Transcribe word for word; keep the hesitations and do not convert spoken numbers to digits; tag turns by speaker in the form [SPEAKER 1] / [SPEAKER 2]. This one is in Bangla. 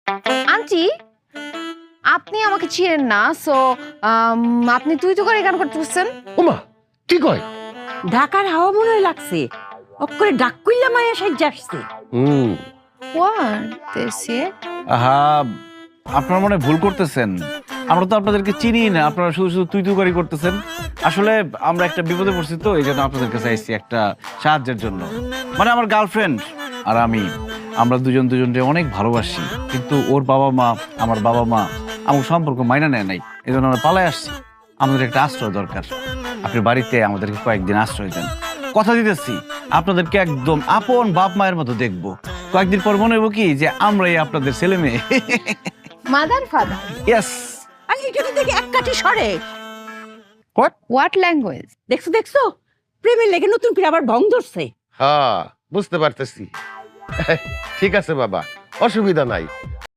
[SPEAKER 1] আন্টি আপনি আমাকে চিনেন না, সো আপনি তুই তো করে গান করতেছেন।
[SPEAKER 2] ওমা কি কয়?
[SPEAKER 3] ঢাকার হাওয়া মনে হয় লাগছে, অক্ষরে ডাক কইলা মায়া সাজ্জা আসছে।
[SPEAKER 2] হুম
[SPEAKER 4] আহা, আপনারা মনে হয় ভুল করতেছেন। আমরা তো আপনাদেরকে চিনি না, আপনারা শুধু শুধু তুই তুই করতেছেন। আসলে আমরা একটা বিপদে পড়ছি, তো এই জন্য আপনাদের কাছে আসছি একটা সাহায্যের জন্য। মানে আমার গার্লফ্রেন্ড আর আমি, আমরা দুজন দুজনকে অনেক ভালোবাসি, কিন্তু ওর বাবা মা আমার বাবা মা আমার সম্পর্ক মাইনা নেয় নাই, এই জন্য আমরা পালাই আসছি। আমাদের একটা আশ্রয় দরকার, আপনি বাড়িতে আমাদেরকে কয়েকদিন আশ্রয় দেন। কথা দিতেছি আপনাদেরকে একদম আপন বাপ মায়ের মতো দেখবো। কয়েকদিন পর মনে হইব কি যে আমরাই আপনাদের ছেলে মেয়ে।
[SPEAKER 1] Mother father.
[SPEAKER 4] ইয়েস।
[SPEAKER 3] আর এটা দেখে এক কাঠি সরে।
[SPEAKER 4] What
[SPEAKER 1] what language?
[SPEAKER 3] দেখছো দেখছো প্রেমের লেগে নতুন করে আবার ভং ধরছে।
[SPEAKER 2] হ্যাঁ বুঝতে পারতেছি। ঠিক আছে বাবা, অসুবিধা নাই।